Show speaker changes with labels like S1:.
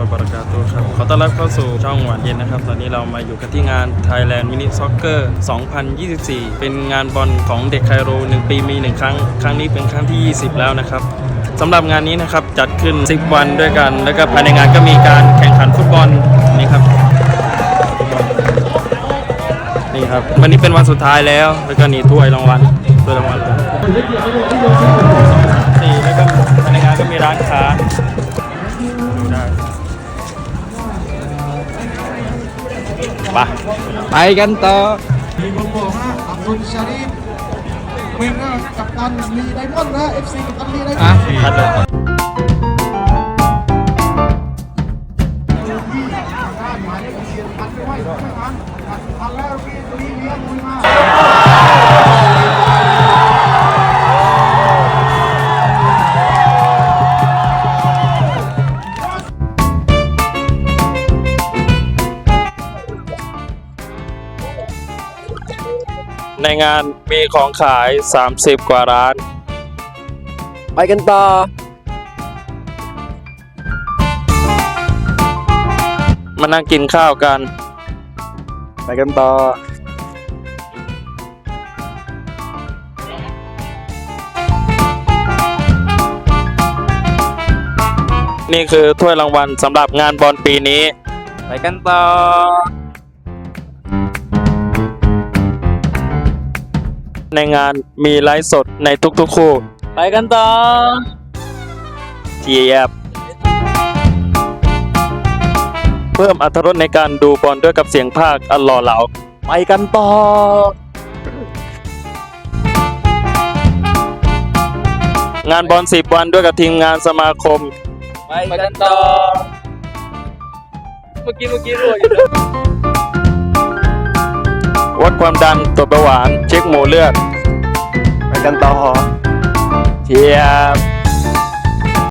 S1: บะเราะกาตุฮ์ครับขอต้อนรับเข้าสู่ช่องหวานเย็นนะครับตอนนี้เรามาอยู่กันที่งาน Thailand Mini Soccer 2024 เป็นงานบอลของเด็กไคโร1 ปีมี 1 ครั้งครั้งนี้เป็นครั้งที่ 20 แล้วนะครับสำหรับงานนี้นะครับจัดขึ้น10 วันด้วยกันแล้วก็ภายในงานก็มีการแข่งขันฟุตบอลนี่ครับนี่ครับวันนี้เป็นวันสุดท้ายแล้วแล้วก็นี่ถ้วยรางวัล4แล้วก็ภายในงานก็มีร้านค้าดูได้ไปกันต่อ
S2: มีคนบอกนะอับดุลชารีฟเป็นกัปตันลีไดมอนด์นะ FC กัปตันลีไดมอนด์
S1: คัดเลยในงานมีของขาย30 กว่าร้านไปกันต่อมานั่งกินข้าวกันไปกันต่อนี่คือถ้วยรางวัลสำหรับงานบอลปีนี้ไปกันต่อในงานมีไลฟ์สดในทุกๆคู่ไปกันต่อเจี๊ยบเพิ่มอรรถรสในการดูบอลด้วยกับเสียงภาคอันหล่อเหลาไปกันต่องานบอล10 วันด้วยกับทีมงานสมาคมไปกันต่อเมื่อกี้รั่วอยู่นะวัดความดันตรวจเบาหวานเช็คหมู่เลือดไปกันต่อเทียบ